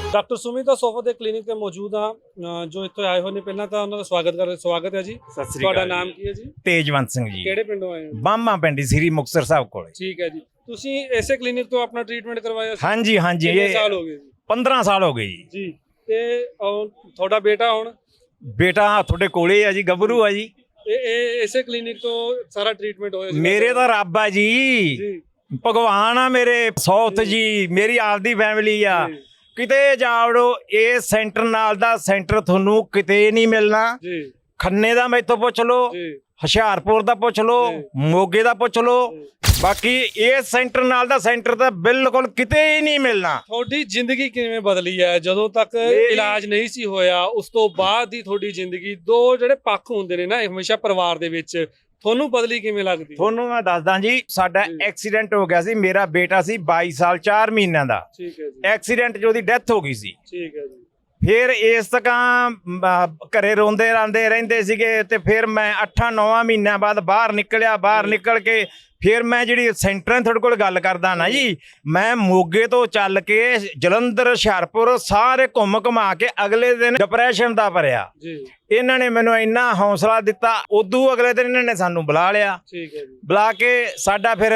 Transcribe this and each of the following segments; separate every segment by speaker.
Speaker 1: Doctor Sumita Sofa ਦੇ clinic ਤੇ ਮੌਜੂਦ ਹਾਂ ਜੋ ਇੱਥੇ ਆਏ ਹੋਏ ਨੇ। ਪਹਿਲਾਂ ਤਾਂ ਉਹਨਾਂ ਦਾ ਸਵਾਗਤ ਹੈ ਜੀ।
Speaker 2: ਸਤਿ ਸ੍ਰੀ
Speaker 1: ਤੁਹਾਡਾ
Speaker 2: ਅਕਾਲ।
Speaker 1: ਨਾਮ ਕੀ ਹੈ ਜੀ?
Speaker 2: ਤੇਜਵੰਤ ਸਿੰਘ ਜੀ।
Speaker 1: ਕਿਹੜੇ ਪਿੰਡੋਂ ਆਏ ਹੋ?
Speaker 2: ਬਾਮਾ ਪਿੰਡੀ ਸ੍ਰੀ ਮੁਕਤਸਰ ਸਾਹਿਬ ਕੋਲੇ।
Speaker 1: ਠੀਕ ਹੈ ਜੀ। ਤੁਸੀਂ ਇਸੇ ਕਲੀਨਿਕ ਤੋਂ ਆਪਣਾ ਟ੍ਰੀਟਮੈਂਟ ਕਰਵਾਇਆ ਸੀ?
Speaker 2: ਹਾਂਜੀ ਹਾਂਜੀ,
Speaker 1: ਕਿੰਨੇ
Speaker 2: ਇਹ
Speaker 1: ਸਾਲ ਹੋ ਗਏ ਜੀ?
Speaker 2: 15 ਸਾਲ ਹੋ ਗਏ ਜੀ।
Speaker 1: ਜੀ। ਤੇ ਤੁਹਾਡਾ ਬੇਟਾ ਹੁਣ?
Speaker 2: ਬੇਟਾ ਤੁਹਾਡੇ ਕੋਲੇ ਆ ਜੀ, ਗੱਭਰੂ ਆ ਜੀ।
Speaker 1: ਇਹ ਇਸੇ ਕਲੀਨਿਕ ਤੋਂ ਸਾਰਾ ਟ੍ਰੀਟਮੈਂਟ ਹੋਇਆ ਸੀ?
Speaker 2: ਮੇਰੇ ਤਾਂ ਰੱਬ ਆ ਜੀ,
Speaker 1: ਜੀ
Speaker 2: ਭਗਵਾਨ ਆ ਮੇਰੇ, ਸੌਤ ਜੀ ਮੇਰੀ ਆਪਦੀ ਫੈਮਿਲੀ ਆ। ਕਿਤੇ ਜਾਵੜੋ, ਇਹ ਸੈਂਟਰ ਨਾਲ ਦਾ ਸੈਂਟਰ ਤੁਹਾਨੂੰ ਕਿਤੇ ਨਹੀਂ ਮਿਲਣਾ।
Speaker 1: ਜੀ।
Speaker 2: ਖੰਨੇ ਦਾ ਮੈਥੋਂ ਪੁੱਛ ਲਓ,
Speaker 1: ਜੀ।
Speaker 2: ਹੁਸ਼ਿਆਰਪੁਰ ਦਾ ਪੁੱਛ ਲਓ, ਮੋਗੇ ਦਾ ਪੁੱਛ ਲਓ, ਬਾਕੀ ਇਹ ਸੈਂਟਰ ਨਾਲ ਦਾ ਸੈਂਟਰ ਤਾਂ ਬਿਲਕੁਲ ਕਿਤੇ ਹੀ ਨਹੀਂ ਮਿਲਣਾ।
Speaker 1: ਤੁਹਾਡੀ ਜ਼ਿੰਦਗੀ ਕਿਵੇਂ ਬਦਲੀ ਹੈ? ਜਦੋਂ ਤੱਕ ਇਲਾਜ ਨਹੀਂ ਸੀ ਹੋਇਆ, ਉਸ ਤੋਂ ਬਾਅਦ ਦੀ ਤੁਹਾਡੀ ਜ਼ਿੰਦਗੀ, ਦੋ ਜਿਹੜੇ ਪੱਖ ਹੁੰਦੇ ਨੇ ਨਾ ਹਮੇਸ਼ਾ ਪਰਿਵਾਰ ਦੇ ਵਿੱਚ, ਤੁਹਾਨੂੰ ਬਦਲੀ ਕਿਵੇਂ ਲੱਗਦੀ?
Speaker 2: ਤੁਹਾਨੂੰ ਮੈਂ ਦੱਸਦਾ ਜੀ, ਸਾਡਾ ਐਕਸੀਡੈਂਟ ਹੋ ਗਿਆ ਸੀ। ਮੇਰਾ ਬੇਟਾ ਸੀ 22 ਸਾਲ 4 ਮਹੀਨਿਆਂ ਦਾ।
Speaker 1: ਠੀਕ ਹੈ ਜੀ।
Speaker 2: ਐਕਸੀਡੈਂਟ 'ਚ ਉਹਦੀ ਡੈਥ ਹੋ ਗਈ ਸੀ।
Speaker 1: ਠੀਕ ਹੈ ਜੀ।
Speaker 2: ਫਿਰ ਇਸ ਤਕਾਂ ਘਰੇ ਰੋਂਦੇ ਰਾਂਦੇ ਰਹਿੰਦੇ ਸੀਗੇ। ਤੇ ਫਿਰ ਮੈਂ 8-9 ਮਹੀਨਿਆਂ ਬਾਅਦ ਬਾਹਰ ਨਿਕਲਿਆ। ਬਾਹਰ ਨਿਕਲ ਕੇ ਫਿਰ ਮੈਂ ਜਿਹੜੀ ਸੈਂਟਰਾਂ ਤੁਹਾਡੇ ਕੋਲ ਗੱਲ ਕਰਦਾ ਨਾ ਜੀ, ਮੈਂ ਮੋਗੇ ਤੋਂ ਚੱਲ ਕੇ ਜਲੰਧਰ, ਹੁਸ਼ਿਆਰਪੁਰ ਸਾਰੇ ਘੁੰਮ ਘੁਮਾ ਕੇ ਅਗਲੇ ਦਿਨ ਡਿਪਰੈਸ਼ਨ ਦਾ ਭਰਿਆ।
Speaker 1: ਜੀ।
Speaker 2: ਇਹਨਾਂ ਨੇ ਮੈਨੂੰ ਇੰਨਾ ਹੌਸਲਾ ਦਿੱਤਾ। ਉਦੋਂ ਅਗਲੇ ਦਿਨ ਇਹਨਾਂ ਨੇ ਸਾਨੂੰ ਬੁਲਾ ਲਿਆ।
Speaker 1: ਠੀਕ ਹੈ ਜੀ।
Speaker 2: ਬੁਲਾ ਕੇ ਸਾਡਾ ਫਿਰ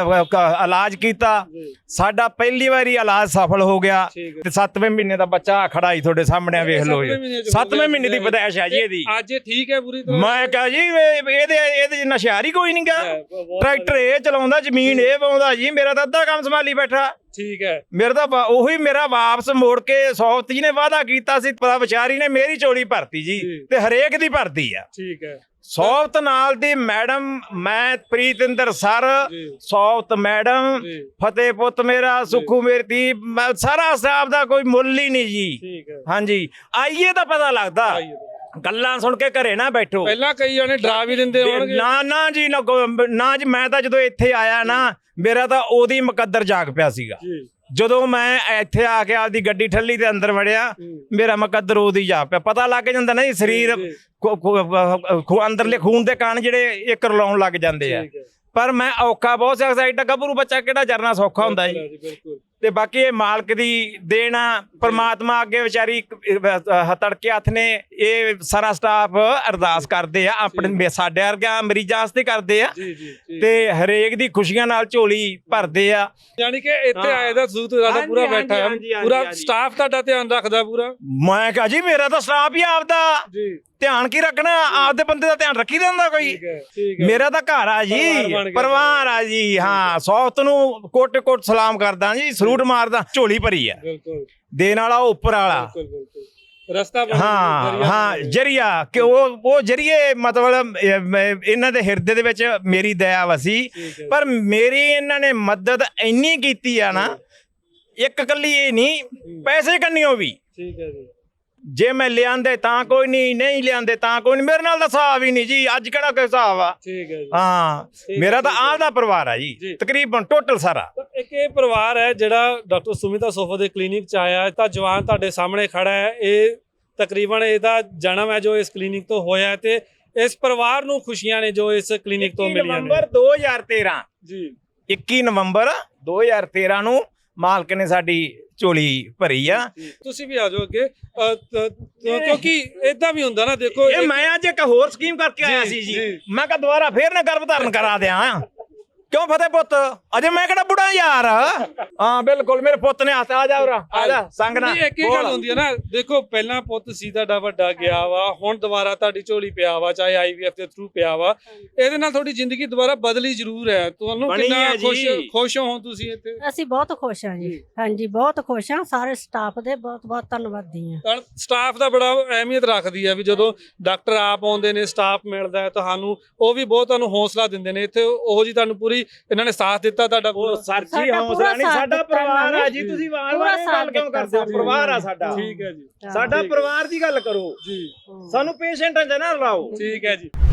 Speaker 2: ਇਲਾਜ ਕੀਤਾ। ਸਾਡਾ ਪਹਿਲੀ ਵਾਰੀ ਇਲਾਜ ਸਫਲ ਹੋ ਗਿਆ। ਤੇ 7ਵੇਂ ਮਹੀਨੇ ਦਾ ਬੱਚਾ ਖੜਾ ਹੀ ਤੁਹਾਡੇ ਸਾਹਮਣੇ ਵੇਖ ਲਓ। 7ਵੇਂ ਮਹੀਨੇ ਦੀ ਪਦਾਇਸ਼ ਹੈ ਜੀ ਇਹਦੀ।
Speaker 1: ਅੱਜ ਠੀਕ ਹੈ ਪੂਰੀ ਤਰ੍ਹਾਂ?
Speaker 2: ਮੈਂ ਕਹਾਂ ਜੀ ਇਹਦੇ ਜਿੰਨਾ ਹੁਸ਼ਿਆਰ ਹੀ ਕੋਈ ਨਹੀਂ ਗਾ। ਟਰੈਕਟਰ ਇਹ ਚਲਾਉਂਦਾ, ਜ਼ਮੀਨ ਇਹ ਵਾਉਂਦਾ ਜੀ। ਮੇਰਾ ਤਾਂ ਅੱਧਾ ਕੰਮ ਸੰਭਾਲੀ ਬੈਠਾ। ਠੀਕ ਹੈ। ਮੇਰਾ ਤਾਂ ਉਹੀ ਮੇਰਾ ਵਾਪਸ ਮੋੜ ਕੇ ਸੌਫਤ ਜੀ ਨੇ ਵਾਅਦਾ ਕੀਤਾ ਸੀ, ਪਤਾ ਵਿਚਾਰੀ ਨੇ ਮੇਰੀ ਝੋਲੀ ਭਰਤੀ ਜੀ। ਤੇ ਹਰੇਕ ਦੀ ਭਰਤੀ ਆ। ਠੀਕ ਹੈ। ਸੌਫਤ ਨਾਲ ਦੀ ਮੈਡਮ, ਮੈਂ ਪ੍ਰੀਤਿੰਦਰ ਸਰ, ਸੌਫਤ ਮੈਡਮ, ਫਤਿਹ ਪੁੱਤ ਮੇਰਾ, ਸੁਖੂ ਮੇਰੀ ਧੀ, ਸਾਰਾ ਸਟਾਫ ਦਾ ਕੋਈ ਮੁੱਲ ਹੀ ਨਹੀਂ ਜੀ। ਠੀਕ ਹੈ। ਹਾਂਜੀ, ਆਈਏ ਤਾਂ ਪਤਾ ਲੱਗਦਾ। ਗੱਲਾਂ ਸੁਣ ਕੇ ਘਰੇ ਨਾ ਬੈਠੋ। ਪਹਿਲਾਂ ਕਈ ਜਣੇ ਡਰਾ ਵੀ ਦਿੰਦੇ ਹੋਣਗੇ। ਨਾ ਜੀ, ਨਾ ਜੀ। ਮੈਂ ਤਾਂ ਜਦੋਂ ਇੱਥੇ ਆਇਆ ਨਾ, ਮੇਰਾ ਤਾਂ ਉਹਦੀ ਮੁਕੱਦਰ ਜਾਗ ਪਿਆ ਸੀਗਾ। ਜਦੋਂ ਮੈਂ ਇੱਥੇ ਆ ਕੇ ਆਪਦੀ ਗੱਡੀ ਠੱਲੀ ਤੇ ਅੰਦਰ ਵੜਿਆ, ਮੇਰਾ ਮੁਕੱਦਰ ਉਹਦੀ ਜਾਗ ਪਿਆ। ਪਤਾ ਲੱਗ ਜਾਂਦਾ ਨਾ ਜੀ, ਸਰੀਰ ਅੰਦਰਲੇ ਖੂਨ ਦੇ ਕਾਰਨ ਜਿਹੜੇ ਇੱਕ ਰਲਾਉਣ ਲੱਗ ਜਾਂਦੇ ਆ। ਪਰ ਮੈਂ ਔਖਾ ਬਹੁਤ ਸੀ। ਐਡਾ ਗੱਭਰੂ ਬੱਚਾ ਕਿਹੜਾ ਜਰਨਾ ਸੌਖਾ ਹੁੰਦਾ ਜੀ। ਤੇ ਬਾਕੀ ਇਹ ਮਾਲਕ ਦੀ ਦੇਣ ਆ। ਪ੍ਰਮਾਤਮਾ ਅੱਗੇ ਵਿਚਾਰੀ ਤੜਕੇ ਹੱਥ ਨੇ ਇਹ ਸਾਰਾ ਸਟਾਫ ਅਰਦਾਸ ਕਰਦੇ ਆ, ਆਪਣੇ ਸਾਡੇ ਵਰਗਾ ਮਰੀਜ਼ਾਂ ਵਾਸਤੇ ਕਰਦੇ ਆ। ਤੇ ਹਰੇਕ ਦੀ ਖੁਸ਼ੀਆਂ ਨਾਲ ਝੋਲੀ ਭਰਦੇ ਆ।
Speaker 1: ਯਾਨੀ ਕਿ ਇੱਥੇ ਆਏ ਦਾ ਸੂਤ ਦਾ ਪੂਰਾ ਬੈਠਾ ਹੈ, ਪੂਰਾ ਸਟਾਫ ਤੁਹਾਡਾ ਧਿਆਨ ਰੱਖਦਾ ਪੂਰਾ? ਮੈਂ ਕਹਾਂ ਜੀ, ਮੇਰਾ ਤਾਂ ਸਟਾਫ ਹੀ ਆਪਦਾ। ਧਿਆਨ ਕੀ ਰੱਖਣਾ, ਆਪਦੇ ਬੰਦੇ ਦਾ ਧਿਆਨ ਰੱਖੀ ਦਿੰਦਾ ਕੋਈ। ਮੇਰਾ ਤਾਂ ਘਰ ਆ ਜੀ, ਪਰਿਵਾਰ ਆ ਜੀ। ਹਾਂ, ਸੌਫਤ ਨੂੰ ਕੋਟ ਸਲਾਮ ਕਰਦਾ ਜੀ, ਸਲੂਟ ਮਾਰਦਾ। ਝੋਲੀ ਭਰੀ ਆ। ਦੇਣ ਵਾਲਾ ਉੱਪਰ ਵਾਲਾ ਰਸਤਾ। ਹਾਂ, ਜਰੀਆ ਕਿ ਉਹ ਜਰੀਏ, ਮਤਲਬ ਇਹਨਾਂ ਦੇ ਹਿਰਦੇ ਦੇ ਵਿੱਚ ਮੇਰੀ ਦਇਆ ਵਸੀ। ਪਰ ਮੇਰੀ ਇਹਨਾਂ ਨੇ ਮਦਦ ਇੰਨੀ ਕੀਤੀ ਆ ਨਾ, ਇੱਕ ਕੱਲੀ ਇਹ ਨਹੀਂ, ਪੈਸੇ ਕੰਨਿਓ ਵੀ। ਠੀਕ ਹੈ ਜੀ। ਜੇ ਮੈਂ ਲਿਆਂਦੇ ਤਾਂ ਕੋਈ ਨਹੀਂ ਲਿਆਂਦੇ ਤਾਂ ਕੋਈ ਨਹੀਂ। ਮੇਰੇ ਨਾਲ ਤਾਂ ਹਿਸਾਬ ਹੀ ਨਹੀਂ ਜੀ। ਅੱਜ ਕਿਹੜਾ ਕੋਈ ਹਿਸਾਬ ਆ? ਠੀਕ ਹੈ ਜੀ। ਹਾਂ, ਮੇਰਾ ਤਾਂ ਆਪਦਾ ਪਰਿਵਾਰ ਆ ਜੀ, ਤਕਰੀਬਨ ਟੋਟਲ ਸਾਰਾ। ਇੱਕ ਇਹ ਪਰਿਵਾਰ ਹੈ ਜਿਹੜਾ ਡਾਕਟਰ ਸੁਮਿਤਾ ਸੋਫਾ ਦੇ ਕਲੀਨਿਕ ਚ ਆਇਆ। ਤਾਂ ਜਵਾਨ ਤੁਹਾਡੇ ਸਾਹਮਣੇ ਖੜਾ ਹੈ। ਇਹ ਤਕਰੀਬਨ ਇਹਦਾ ਜਨਮ ਹੈ ਜੋ ਇਸ ਕਲੀਨਿਕ ਤੋਂ ਹੋਇਆ। ਤੇ ਇਸ ਪਰਿਵਾਰ ਨੂੰ ਖੁਸ਼ੀਆਂ ਨੇ ਜੋ ਇਸ ਕਲੀਨਿਕ ਤੋਂ ਮਿਲੀਆਂ ਨੇ। ਨਵੰਬਰ 2013 ਜੀ, 21 ਨਵੰਬਰ 2013 ਨੂੰ ਮਾਲਕ ਨੇ ਸਾਡੀ ਝੋਲੀ ਭਰੀ ਆ। ਤੁਸੀਂ ਵੀ ਆ ਜਾਓ ਅੱਗੇ, ਕਿਉਂਕਿ ਏਦਾਂ ਵੀ ਹੁੰਦਾ ਨਾ। ਦੇਖੋ, ਇਹ ਮੈਂ ਅੱਜ ਇੱਕ ਹੋਰ ਸਕੀਮ ਕਰਕੇ ਆਇਆ ਸੀ ਜੀ। ਮੈਂ ਕਿਹਾ ਦੁਬਾਰਾ ਫੇਰ ਨਾ ਗਰਭ ਧਾਰਨ ਕਰਾ ਦਿਆਂ। ਕਿਉਂ ਫਤਿਹ ਪੁੱਤ, ਅਜੇ ਮੈਂ ਕਿਹੜਾ ਬੁੜਾ ਯਾਰ। ਹਾਂ ਬਿਲਕੁਲ, ਮੇਰੇ ਪੁੱਤ ਨੇ ਹੱਥ ਆ ਜਾ ਉਰਾ, ਆ ਜਾ ਸੰਗ ਨਾਲ। ਇੱਕ ਹੀ ਗੱਲ ਹੁੰਦੀ ਹੈ ਨਾ, ਦੇਖੋ ਪਹਿਲਾਂ ਪੁੱਤ ਸੀ ਤੁਹਾਡਾ ਵੱਡਾ ਗਿਆ ਵਾ, ਹੁਣ ਦੁਬਾਰਾ ਤੁਹਾਡੀ ਝੋਲੀ ਪਿਆ ਵਾ, ਚਾਹੇ IVF ਦੇ ਥਰੂ ਪਿਆ ਵਾ। ਇਹਦੇ ਨਾਲ ਤੁਹਾਡੀ ਜ਼ਿੰਦਗੀ ਦੁਬਾਰਾ ਬਦਲੀ ਜ਼ਰੂਰ ਹੈ। ਤੁਹਾਨੂੰ ਕਿੰਨਾ ਖੁਸ਼ ਹੋ ਤੁਸੀਂ ਇੱਥੇ?
Speaker 3: ਅਸੀਂ ਬਹੁਤ ਖੁਸ਼ ਹਾਂ ਜੀ। ਹਾਂਜੀ, ਬਹੁਤ ਖੁਸ਼ ਹਾਂ। ਸਾਰੇ ਸਟਾਫ ਦੇ ਬਹੁਤ ਬਹੁਤ ਧੰਨਵਾਦੀ ਹਾਂ।
Speaker 1: ਸਟਾਫ ਦਾ ਬੜਾ ਅਹਿਮੀਅਤ ਰੱਖਦੀ ਹੈ ਵੀ ਜਦੋਂ ਡਾਕਟਰ ਆਪ ਆਉਂਦੇ ਨੇ, ਸਟਾਫ ਮਿਲਦਾ ਹੈ ਤੁਹਾਨੂੰ, ਉਹ ਵੀ ਬਹੁਤ ਤੁਹਾਨੂੰ ਹੌਸਲਾ ਦਿੰਦੇ ਨੇ। ਇੱਥੇ ਉਹ ਜੀ ਤੁਹਾਨੂੰ ਪੂਰੀ ਇਹਨਾਂ ਨੇ ਸਾਥ ਦਿੱਤਾ ਤੁਹਾਡਾ? ਸਰ ਜੀ, ਹੌਸਲਾ ਨਹੀਂ, ਸਾਡਾ ਪਰਿਵਾਰ ਆ ਜੀ। ਤੁਸੀਂ ਵਾਰ-ਵਾਰ ਗੱਲ ਕਿਉਂ ਕਰਦੇ ਹੋ? ਪਰਿਵਾਰ ਆ ਸਾਡਾ। ਠੀਕ ਹੈ ਜੀ। ਸਾਡਾ ਪਰਿਵਾਰ ਦੀ ਗੱਲ ਕਰੋ ਜੀ। ਸਾਨੂੰ ਪੇਸ਼ੈਂਟਾਂ 'ਚ ਨਾ ਰਲਾਓ। ਠੀਕ ਹੈ ਜੀ।